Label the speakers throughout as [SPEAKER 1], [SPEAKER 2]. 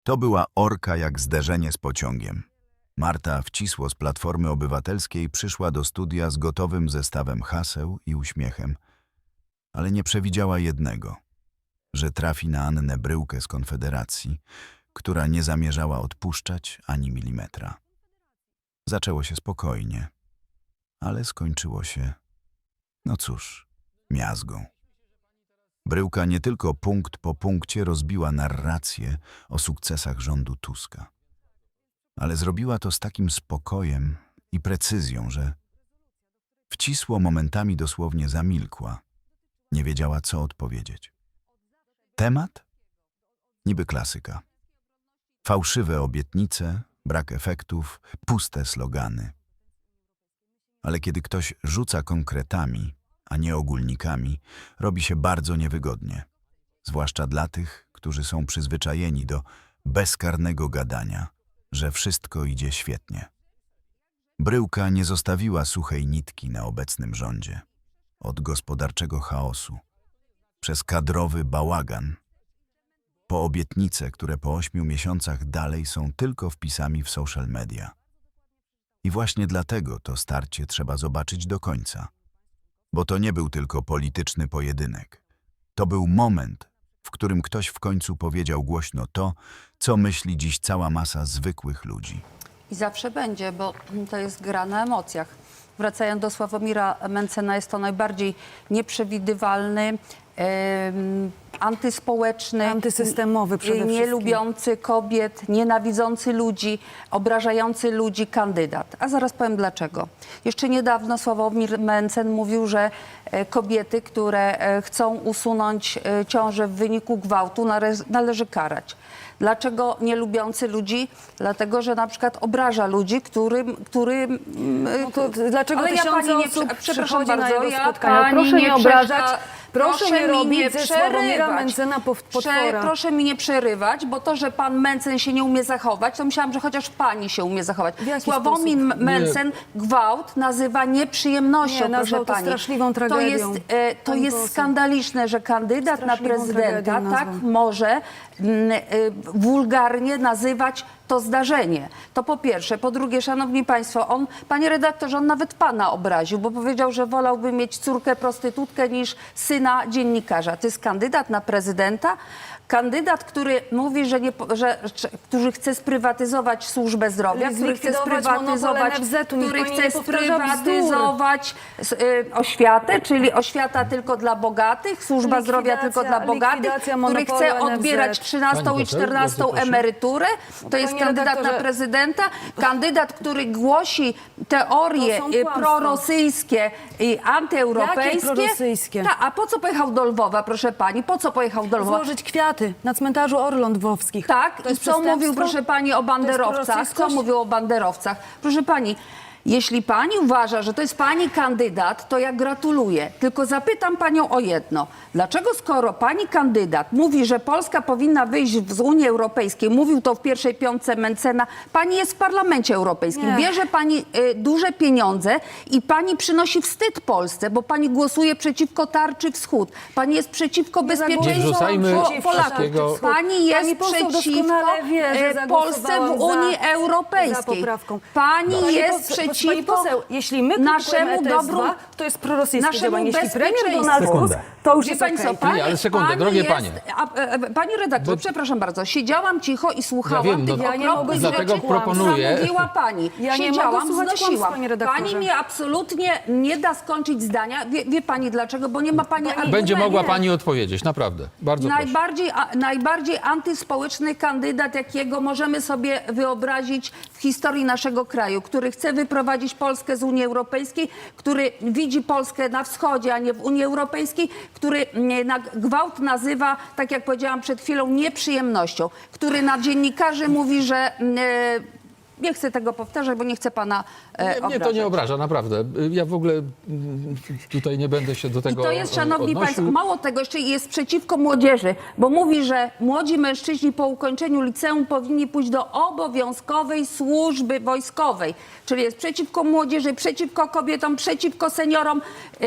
[SPEAKER 1] To była orka jak zderzenie z pociągiem. Marta Wcisło z Platformy Obywatelskiej przyszła do studia z gotowym zestawem haseł i uśmiechem, ale nie przewidziała jednego, że trafi na Annę Bryłkę z Konfederacji, która nie zamierzała odpuszczać ani milimetra. Zaczęło się spokojnie, ale skończyło się, no cóż, miazgą. Bryłka nie tylko punkt po punkcie rozbiła narrację o sukcesach rządu Tuska, ale zrobiła to z takim spokojem i precyzją, że Wcisło momentami dosłownie zamilkła, nie wiedziała, co odpowiedzieć. Temat? Niby klasyka. Fałszywe obietnice, brak efektów, puste slogany. Ale kiedy ktoś rzuca konkretami, a nie ogólnikami, robi się bardzo niewygodnie. Zwłaszcza dla tych, którzy są przyzwyczajeni do bezkarnego gadania, że wszystko idzie świetnie. Bryłka nie zostawiła suchej nitki na obecnym rządzie. Od gospodarczego chaosu, przez kadrowy bałagan, po obietnice, które po 8 miesiącach dalej są tylko wpisami w social media. I właśnie dlatego to starcie trzeba zobaczyć do końca. Bo to nie był tylko polityczny pojedynek. To był moment, w którym ktoś w końcu powiedział głośno to, co myśli dziś cała masa zwykłych ludzi.
[SPEAKER 2] I zawsze będzie, bo to jest gra na emocjach. Wracając do Sławomira Mentzena, jest to najbardziej nieprzewidywalny, antyspołeczny,
[SPEAKER 3] antysystemowy przede wszystkim,
[SPEAKER 2] nie lubiący kobiet, nienawidzący ludzi, obrażający ludzi kandydat. A zaraz powiem dlaczego. Jeszcze niedawno Sławomir Mentzen mówił, że kobiety, które chcą usunąć ciążę w wyniku gwałtu, należy karać. Dlaczego nie lubiący ludzi? Dlatego, że na przykład obraża ludzi, którym
[SPEAKER 3] No to dlaczego
[SPEAKER 2] ale ja
[SPEAKER 3] tysiące
[SPEAKER 2] pani nie
[SPEAKER 3] osób
[SPEAKER 2] przepraszam
[SPEAKER 3] przychodzi na
[SPEAKER 2] bardzo,
[SPEAKER 3] jego
[SPEAKER 2] ja
[SPEAKER 3] spotkania?
[SPEAKER 2] pani
[SPEAKER 3] Proszę nie obrażać, proszę nie
[SPEAKER 2] mi
[SPEAKER 3] robić ze Sławomira
[SPEAKER 2] przerywać.
[SPEAKER 3] Mentzena potwora.
[SPEAKER 2] Proszę mi nie przerywać, bo to, że pan Mentzen się nie umie zachować, to myślałam, że chociaż pani się umie zachować.
[SPEAKER 3] W jaki
[SPEAKER 2] Sławomir
[SPEAKER 3] sposób?
[SPEAKER 2] Mentzen gwałt nazywa nieprzyjemnością,
[SPEAKER 3] Nie, nazwał
[SPEAKER 2] proszę
[SPEAKER 3] to
[SPEAKER 2] pani.
[SPEAKER 3] straszliwą tragedią.
[SPEAKER 2] To
[SPEAKER 3] Pani
[SPEAKER 2] jest
[SPEAKER 3] poseł.
[SPEAKER 2] skandaliczne, że kandydat na
[SPEAKER 3] Straszliwą
[SPEAKER 2] prezydenta
[SPEAKER 3] tragedią
[SPEAKER 2] tak
[SPEAKER 3] nazwał.
[SPEAKER 2] może wulgarnie nazywać to zdarzenie. To po pierwsze. Po drugie, szanowni państwo, panie redaktorze, on nawet pana obraził, bo powiedział, że wolałby mieć córkę prostytutkę niż syna dziennikarza. To jest kandydat na prezydenta? Kandydat, który mówi, który chce sprywatyzować służbę zdrowia, który chce
[SPEAKER 3] Zlikwidować
[SPEAKER 2] sprywatyzować,
[SPEAKER 3] monopol NFZ-u. Niech
[SPEAKER 2] który
[SPEAKER 3] pani
[SPEAKER 2] chce
[SPEAKER 3] nie powtarza
[SPEAKER 2] sprywatyzować oświatę, czyli oświata tylko dla bogatych, służba zdrowia tylko dla bogatych,
[SPEAKER 3] likwidacja
[SPEAKER 2] który chce
[SPEAKER 3] monopolu NFZ.
[SPEAKER 2] odbierać 13
[SPEAKER 4] Pani
[SPEAKER 2] i
[SPEAKER 4] poseł,
[SPEAKER 2] 14
[SPEAKER 4] bardzo proszę.
[SPEAKER 2] emeryturę. To jest
[SPEAKER 3] Panie
[SPEAKER 2] kandydat na
[SPEAKER 3] redaktorze,
[SPEAKER 2] prezydenta, kandydat, który głosi teorie
[SPEAKER 3] To są kłamstwa.
[SPEAKER 2] prorosyjskie i antyeuropejskie.
[SPEAKER 3] Jakie prorosyjskie?
[SPEAKER 2] A po co pojechał do Lwowa, proszę pani? Po co pojechał do Lwowa?
[SPEAKER 3] Złożyć kwiaty na cmentarzu Orląt Lwowskich.
[SPEAKER 2] Tak,
[SPEAKER 3] To
[SPEAKER 2] i
[SPEAKER 3] jest
[SPEAKER 2] co mówił,
[SPEAKER 3] przestępstwo?
[SPEAKER 2] proszę pani, o banderowcach? Co
[SPEAKER 3] prorosyjskość?
[SPEAKER 2] mówił o banderowcach? Proszę pani, jeśli pani uważa, że to jest pani kandydat, to ja gratuluję. Tylko zapytam panią o jedno. Dlaczego skoro pani kandydat mówi, że Polska powinna wyjść z Unii Europejskiej, mówił to w pierwszej piątce Mentzena, pani jest w Parlamencie Europejskim,
[SPEAKER 3] Nie.
[SPEAKER 2] bierze pani duże pieniądze i pani przynosi wstyd Polsce, bo pani głosuje przeciwko Tarczy Wschód. Pani jest przeciwko bezpieczeństwu
[SPEAKER 4] Nie wrzucajmy
[SPEAKER 2] Polaków.
[SPEAKER 4] wszystkiego.
[SPEAKER 2] Pani jest
[SPEAKER 3] Pani poseł
[SPEAKER 2] przeciwko
[SPEAKER 3] doskonale wie, że
[SPEAKER 2] Polsce w
[SPEAKER 3] zagłosowałam
[SPEAKER 2] Unii
[SPEAKER 3] za
[SPEAKER 2] Europejskiej.
[SPEAKER 3] poprawką.
[SPEAKER 2] Pani
[SPEAKER 3] Pani
[SPEAKER 2] jest
[SPEAKER 3] poseł, pani
[SPEAKER 2] przeciwko
[SPEAKER 3] poseł, jeśli my
[SPEAKER 2] naszemu
[SPEAKER 3] kupujemy
[SPEAKER 2] dobru,
[SPEAKER 3] ETS-2, to jest prorosyjskie
[SPEAKER 2] naszemu
[SPEAKER 3] działanie. Jeśli premier
[SPEAKER 2] bezpieczeństwu.
[SPEAKER 3] Donald Tusk,
[SPEAKER 4] Sekundę.
[SPEAKER 3] to już
[SPEAKER 2] Wie
[SPEAKER 3] jest
[SPEAKER 2] pani
[SPEAKER 3] okej.
[SPEAKER 2] co, pani,
[SPEAKER 4] Nie, ale sekundę,
[SPEAKER 2] pani
[SPEAKER 4] drogie
[SPEAKER 2] jest,
[SPEAKER 4] panie.
[SPEAKER 2] Pani redaktor, przepraszam bardzo, siedziałam cicho i słuchałam
[SPEAKER 4] Ja wiem,
[SPEAKER 2] tych
[SPEAKER 4] no,
[SPEAKER 3] ja nie mogę
[SPEAKER 2] okropnych
[SPEAKER 4] dlatego
[SPEAKER 2] rzeczy,
[SPEAKER 4] proponuję-
[SPEAKER 2] co mówiła pani.
[SPEAKER 3] Ja nie
[SPEAKER 2] Siedziałam,
[SPEAKER 3] mogę słuchać kłamstw,
[SPEAKER 2] znosiłam.
[SPEAKER 3] panie redaktorze.
[SPEAKER 2] Pani mnie absolutnie nie da skończyć zdania. Wie pani dlaczego? Bo nie ma pani argumentu.
[SPEAKER 4] Będzie mogła pani odpowiedzieć, naprawdę. Bardzo proszę.
[SPEAKER 2] Najbardziej antyspołeczny kandydat, jakiego możemy sobie wyobrazić w historii naszego kraju, który chce wyprowadzić Polskę z Unii Europejskiej, który widzi Polskę na wschodzie, a nie w Unii Europejskiej, który gwałt nazywa, tak jak powiedziałam przed chwilą, nieprzyjemnością, który na dziennikarzy mówi, że Nie chcę tego powtarzać, bo nie chcę pana
[SPEAKER 4] Mnie to
[SPEAKER 2] obrażać.
[SPEAKER 4] nie obraża, naprawdę. Ja w ogóle tutaj nie będę się do
[SPEAKER 2] I
[SPEAKER 4] tego
[SPEAKER 2] to jest, szanowni
[SPEAKER 4] odnosił.
[SPEAKER 2] państwo, mało tego, jeszcze jest przeciwko młodzieży, bo mówi, że młodzi mężczyźni po ukończeniu liceum powinni pójść do obowiązkowej służby wojskowej. Czyli jest przeciwko młodzieży, przeciwko kobietom, przeciwko seniorom.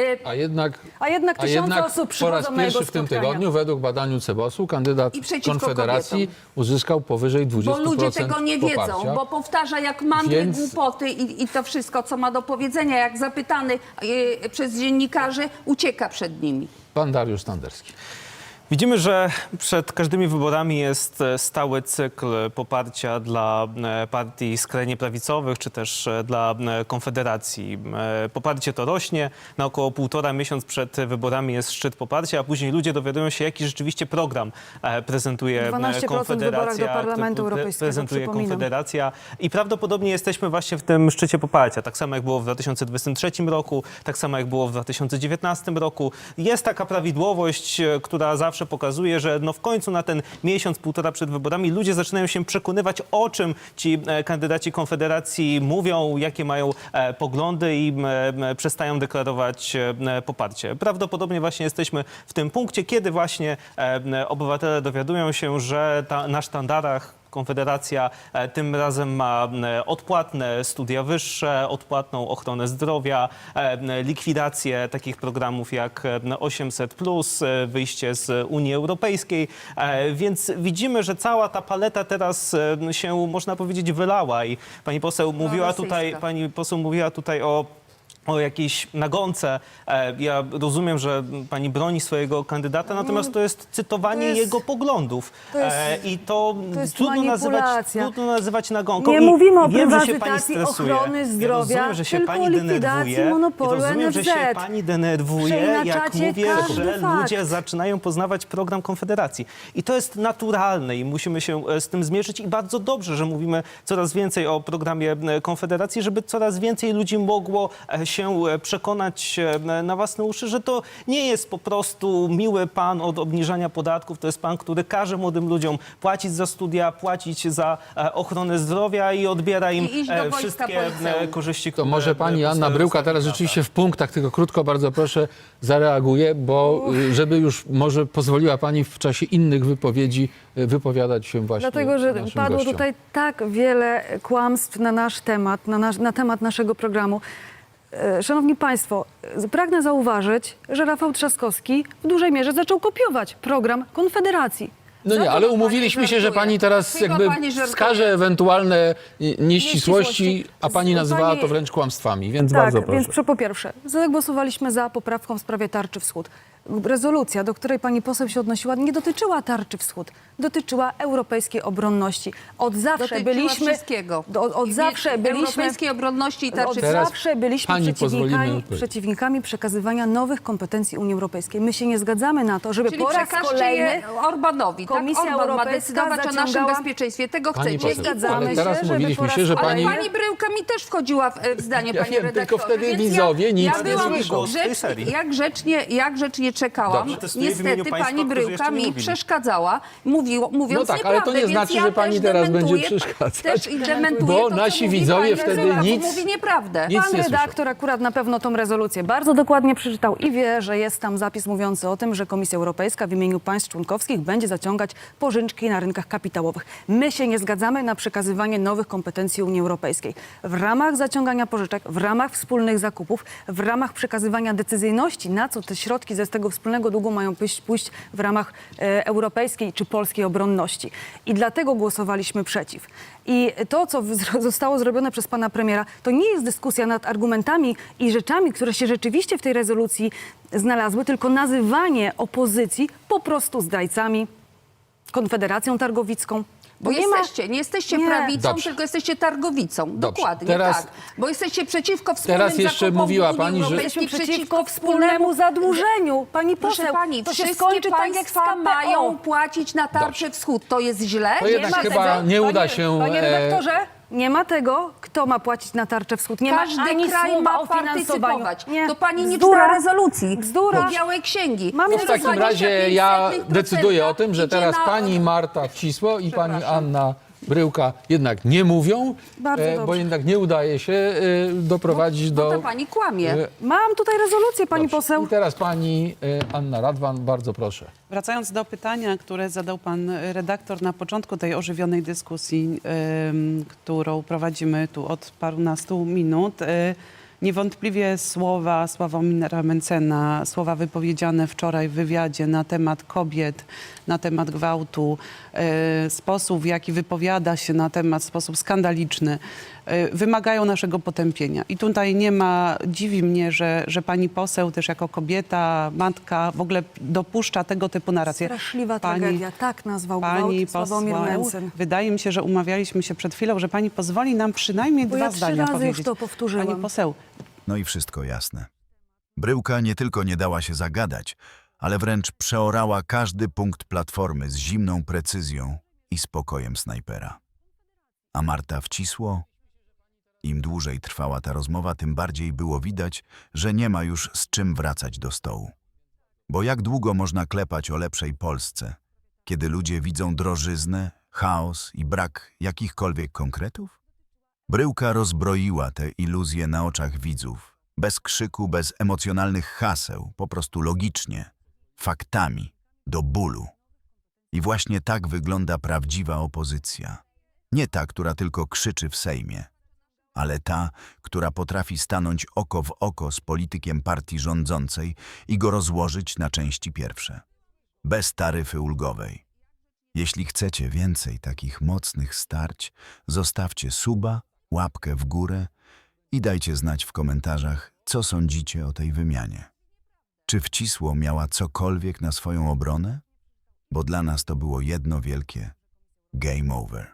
[SPEAKER 3] A jednak tysiące osób
[SPEAKER 4] po
[SPEAKER 3] przychodzą
[SPEAKER 4] raz
[SPEAKER 3] na jego
[SPEAKER 4] pierwszy w tym
[SPEAKER 3] spotkania.
[SPEAKER 4] tygodniu, według badaniu CEBOS-u, kandydat
[SPEAKER 2] I przeciwko
[SPEAKER 4] Konfederacji
[SPEAKER 2] kobietom.
[SPEAKER 4] uzyskał powyżej 20%
[SPEAKER 2] Bo ludzie tego nie wiedzą,
[SPEAKER 4] poparcia.
[SPEAKER 2] bo powtarza jak mantry,
[SPEAKER 4] Więc-
[SPEAKER 2] głupoty i to wszystko, co ma do powiedzenia. Jak zapytany przez dziennikarzy, ucieka przed nimi.
[SPEAKER 4] Pan Dariusz Standerski.
[SPEAKER 5] Widzimy, że przed każdymi wyborami jest stały cykl poparcia dla partii skrajnie prawicowych, czy też dla Konfederacji. Poparcie to rośnie, na około 1,5 miesiąc przed wyborami jest szczyt poparcia, a później ludzie dowiadują się, jaki rzeczywiście program prezentuje
[SPEAKER 3] 12% w wyborach do Parlamentu Europejskiego,
[SPEAKER 5] prezentuje
[SPEAKER 3] przypominam.
[SPEAKER 5] Konfederacja i prawdopodobnie jesteśmy właśnie w tym szczycie poparcia. Tak samo jak było w 2023 roku, tak samo jak było w 2019 roku. Jest taka prawidłowość, która zawsze pokazuje, że no w końcu na ten miesiąc, 1,5 przed wyborami ludzie zaczynają się przekonywać, o czym ci kandydaci Konfederacji mówią, jakie mają poglądy i przestają deklarować poparcie. Prawdopodobnie właśnie jesteśmy w tym punkcie, kiedy właśnie obywatele dowiadują się, że na sztandarach Konfederacja tym razem ma odpłatne studia wyższe, odpłatną ochronę zdrowia, likwidację takich programów jak 800+, wyjście z Unii Europejskiej. Więc widzimy, że cała ta paleta teraz się, można powiedzieć, wylała i pani poseł mówiła tutaj o jakiejś nagonce. Ja rozumiem, że pani broni swojego kandydata, natomiast to jest cytowanie jego poglądów. I to
[SPEAKER 3] jest
[SPEAKER 5] trudno nazywać nagonką.
[SPEAKER 3] Nie
[SPEAKER 5] I
[SPEAKER 3] mówimy o
[SPEAKER 5] wiem, że się pani
[SPEAKER 3] prywatyzacji
[SPEAKER 5] stresuje.
[SPEAKER 3] ochrony zdrowia,
[SPEAKER 5] Ja rozumiem, że się
[SPEAKER 3] tylko
[SPEAKER 5] pani
[SPEAKER 3] likwidacji
[SPEAKER 5] denerwuje.
[SPEAKER 3] monopolu
[SPEAKER 5] Rozumiem, że
[SPEAKER 3] NFZ.
[SPEAKER 5] się pani denerwuje, jak
[SPEAKER 3] Przeinaczacie
[SPEAKER 5] mówię,
[SPEAKER 3] każdy
[SPEAKER 5] że
[SPEAKER 3] fakt.
[SPEAKER 5] ludzie zaczynają poznawać program Konfederacji. I to jest naturalne i musimy się z tym zmierzyć i bardzo dobrze, że mówimy coraz więcej o programie Konfederacji, żeby coraz więcej ludzi mogło się przekonać na własne uszy, że to nie jest po prostu miły pan od obniżania podatków, to jest pan, który każe młodym ludziom płacić za studia, płacić za ochronę zdrowia i odbiera im
[SPEAKER 2] I iść do wojska
[SPEAKER 5] wszystkie
[SPEAKER 2] po liceum.
[SPEAKER 5] korzyści,
[SPEAKER 4] To
[SPEAKER 5] które
[SPEAKER 4] może pani Anna
[SPEAKER 5] powstają
[SPEAKER 4] Bryłka
[SPEAKER 5] z
[SPEAKER 4] teraz
[SPEAKER 5] tego
[SPEAKER 4] rzeczywiście w punktach, tylko krótko, bardzo proszę, zareaguje, bo żeby już może pozwoliła pani w czasie innych wypowiedzi wypowiadać się właśnie
[SPEAKER 3] Dlatego, że
[SPEAKER 4] naszym
[SPEAKER 3] padło
[SPEAKER 4] gościom.
[SPEAKER 3] tutaj tak wiele kłamstw na nasz temat, na temat naszego programu. Szanowni Państwo, pragnę zauważyć, że Rafał Trzaskowski w dużej mierze zaczął kopiować program Konfederacji.
[SPEAKER 4] No nie, ale umówiliśmy się, że pani teraz
[SPEAKER 2] Chyba
[SPEAKER 4] jakby
[SPEAKER 2] pani żartuje.
[SPEAKER 4] wskaże ewentualne nieścisłości, a pani nazywała
[SPEAKER 3] Pani-
[SPEAKER 4] to wręcz kłamstwami, więc
[SPEAKER 3] Tak,
[SPEAKER 4] bardzo proszę.
[SPEAKER 3] więc po pierwsze, zagłosowaliśmy za poprawką w sprawie Tarczy Wschód. Rezolucja, do której pani poseł się odnosiła, nie dotyczyła Tarczy Wschód, dotyczyła europejskiej obronności. Od zawsze
[SPEAKER 2] Dotyczyła
[SPEAKER 3] byliśmy...
[SPEAKER 2] wszystkiego.
[SPEAKER 3] Od zawsze byliśmy...
[SPEAKER 2] Europejskiej obronności i
[SPEAKER 3] Od
[SPEAKER 2] tarczy.
[SPEAKER 4] Teraz
[SPEAKER 3] zawsze byliśmy
[SPEAKER 4] pani pozwolimy odpowiedzieć.
[SPEAKER 3] przeciwnikami przekazywania nowych kompetencji Unii Europejskiej. My się nie zgadzamy na to, żeby
[SPEAKER 2] Czyli
[SPEAKER 3] po raz
[SPEAKER 2] przekażcie
[SPEAKER 3] kolejny...
[SPEAKER 2] je Orbanowi.
[SPEAKER 3] Komisja
[SPEAKER 2] tak? Orban ma
[SPEAKER 3] Europejska
[SPEAKER 2] decydować o naszym
[SPEAKER 3] zaciągała-
[SPEAKER 2] bezpieczeństwie. Tego
[SPEAKER 4] Pani
[SPEAKER 2] chcecie.
[SPEAKER 4] poseł,
[SPEAKER 3] zgadzamy
[SPEAKER 4] ale teraz
[SPEAKER 3] się, żeby
[SPEAKER 4] mówiliśmy
[SPEAKER 3] po
[SPEAKER 4] się,
[SPEAKER 3] raz
[SPEAKER 4] że
[SPEAKER 2] Ale
[SPEAKER 4] pani...
[SPEAKER 2] pani Bryłka mi też wchodziła w zdanie,
[SPEAKER 4] Ja
[SPEAKER 2] panie
[SPEAKER 4] wiem,
[SPEAKER 2] redaktorze.
[SPEAKER 4] tylko wtedy
[SPEAKER 2] więc
[SPEAKER 4] widzowie nic
[SPEAKER 2] ja
[SPEAKER 4] nie
[SPEAKER 2] byłam
[SPEAKER 5] słyszą. W tej
[SPEAKER 2] grzecznie,
[SPEAKER 5] serii.
[SPEAKER 2] jak grzecznie czekałam.
[SPEAKER 5] Dobrze, testuję w imieniu
[SPEAKER 2] Niestety
[SPEAKER 5] państwa,
[SPEAKER 2] pani
[SPEAKER 5] którzy
[SPEAKER 2] Bryłka
[SPEAKER 5] jeszcze nie
[SPEAKER 2] mi
[SPEAKER 5] mówili.
[SPEAKER 2] przeszkadzała, mówiąc
[SPEAKER 4] No tak, ale to
[SPEAKER 2] nieprawdę,
[SPEAKER 4] nie
[SPEAKER 2] więc
[SPEAKER 4] znaczy,
[SPEAKER 2] ja
[SPEAKER 4] że pani
[SPEAKER 2] też
[SPEAKER 4] teraz będzie
[SPEAKER 2] dementuję-
[SPEAKER 4] przeszkadzać,
[SPEAKER 2] Też i dementuję
[SPEAKER 4] bo
[SPEAKER 2] to, co
[SPEAKER 4] nasi
[SPEAKER 2] mówi
[SPEAKER 4] widzowie
[SPEAKER 2] pani
[SPEAKER 4] wtedy
[SPEAKER 2] Bryłka, bo
[SPEAKER 4] nic-
[SPEAKER 2] mówi nieprawdę.
[SPEAKER 4] nic
[SPEAKER 3] Pan
[SPEAKER 4] nie słyszą.
[SPEAKER 3] redaktor akurat na pewno tą rezolucję bardzo dokładnie przeczytał i wie, że jest tam zapis mówiący o tym, że Komisja Europejska w imieniu państw członkowskich będzie zaciągać pożyczki na rynkach kapitałowych. My się nie zgadzamy na przekazywanie nowych kompetencji Unii Europejskiej. W ramach zaciągania pożyczek, w ramach wspólnych zakupów, w ramach przekazywania decyzyjności, na co te środki ze tego wspólnego długu mają pójść w ramach europejskiej czy polskiej obronności. I dlatego głosowaliśmy przeciw. I to, co zostało zrobione przez pana premiera, to nie jest dyskusja nad argumentami i rzeczami, które się rzeczywiście w tej rezolucji znalazły, tylko nazywanie opozycji po prostu zdrajcami, Konfederacją Targowicką.
[SPEAKER 2] Bo
[SPEAKER 3] nie ma-
[SPEAKER 2] nie jesteście
[SPEAKER 3] Nie.
[SPEAKER 2] prawicą,
[SPEAKER 4] Dobrze.
[SPEAKER 2] tylko jesteście targowicą.
[SPEAKER 4] Dobrze.
[SPEAKER 2] Dokładnie
[SPEAKER 4] Teraz-
[SPEAKER 2] tak. Bo jesteście przeciwko wspólnym
[SPEAKER 4] Teraz jeszcze
[SPEAKER 2] zakupom
[SPEAKER 4] mówiła
[SPEAKER 2] w Unii
[SPEAKER 4] pani, że-
[SPEAKER 2] Europejskiej,
[SPEAKER 3] Jesteśmy przeciwko wspólnemu zadłużeniu. Pani
[SPEAKER 2] Proszę
[SPEAKER 3] poseł,
[SPEAKER 2] pani,
[SPEAKER 3] to się
[SPEAKER 2] wszystkie
[SPEAKER 3] skończy tak jak z
[SPEAKER 2] państwa
[SPEAKER 3] KPO.
[SPEAKER 2] mają płacić na tarczę wschód. To jest źle?
[SPEAKER 4] To jednak
[SPEAKER 3] ma
[SPEAKER 4] chyba
[SPEAKER 3] tego.
[SPEAKER 4] nie uda
[SPEAKER 3] Panie-
[SPEAKER 4] się...
[SPEAKER 3] Panie redaktorze, nie ma tego, kto ma płacić na tarczę wschód. Nie
[SPEAKER 2] Każdy
[SPEAKER 3] ma ani
[SPEAKER 2] kraj
[SPEAKER 3] słowa
[SPEAKER 2] ma
[SPEAKER 3] o finansowaniu.
[SPEAKER 2] partycypować.
[SPEAKER 3] Nie.
[SPEAKER 2] To pani nie
[SPEAKER 3] Bzdura.
[SPEAKER 2] czyta rezolucji.
[SPEAKER 3] Bzdura.
[SPEAKER 2] I Białej Księgi.
[SPEAKER 3] Mamy
[SPEAKER 4] W takim razie ja decyduję o tym, że teraz pani Marta Wcisło i pani
[SPEAKER 2] Przepraszam.
[SPEAKER 4] Anna Bryłka jednak nie mówią,
[SPEAKER 3] Bardzo
[SPEAKER 4] bo
[SPEAKER 3] dobrze.
[SPEAKER 4] jednak nie udaje się doprowadzić
[SPEAKER 2] Bo ta
[SPEAKER 4] do...
[SPEAKER 2] pani kłamie.
[SPEAKER 3] Mam tutaj rezolucję, pani
[SPEAKER 4] Dobrze.
[SPEAKER 3] poseł.
[SPEAKER 4] I teraz pani Anna Radwan, bardzo proszę.
[SPEAKER 6] Wracając do pytania, które zadał pan redaktor na początku tej ożywionej dyskusji, którą prowadzimy tu od parunastu minut, niewątpliwie słowa Sławomira Mentzena, słowa wypowiedziane wczoraj w wywiadzie na temat kobiet, na temat gwałtu, sposób, w jaki wypowiada się na temat, sposób skandaliczny, wymagają naszego potępienia. I tutaj nie ma, dziwi mnie, że pani poseł też jako kobieta, matka w ogóle dopuszcza tego typu narracje.
[SPEAKER 3] Straszliwa
[SPEAKER 6] Pani-
[SPEAKER 3] tragedia, tak nazwał
[SPEAKER 6] Pani
[SPEAKER 3] gwałt Sławomir
[SPEAKER 6] poseł,
[SPEAKER 3] Mentzen.
[SPEAKER 6] wydaje mi się, że umawialiśmy się przed chwilą, że pani pozwoli nam przynajmniej
[SPEAKER 3] Bo
[SPEAKER 6] dwa
[SPEAKER 3] ja 3
[SPEAKER 6] zdania
[SPEAKER 3] razy już
[SPEAKER 6] powiedzieć.
[SPEAKER 3] to powtórzyłam.
[SPEAKER 6] Pani poseł,
[SPEAKER 1] No i wszystko jasne. Bryłka nie tylko nie dała się zagadać, ale wręcz przeorała każdy punkt platformy z zimną precyzją i spokojem snajpera. A Marta wcisło. Im dłużej trwała ta rozmowa, tym bardziej było widać, że nie ma już z czym wracać do stołu. Bo jak długo można klepać o lepszej Polsce, kiedy ludzie widzą drożyznę, chaos i brak jakichkolwiek konkretów? Bryłka rozbroiła te iluzje na oczach widzów, bez krzyku, bez emocjonalnych haseł, po prostu logicznie, faktami, do bólu. I właśnie tak wygląda prawdziwa opozycja. Nie ta, która tylko krzyczy w Sejmie, ale ta, która potrafi stanąć oko w oko z politykiem partii rządzącej i go rozłożyć na części pierwsze. Bez taryfy ulgowej. Jeśli chcecie więcej takich mocnych starć, zostawcie suba, łapkę w górę i dajcie znać w komentarzach, co sądzicie o tej wymianie. Czy Wcisło miała cokolwiek na swoją obronę? Bo dla nas to było jedno wielkie game over.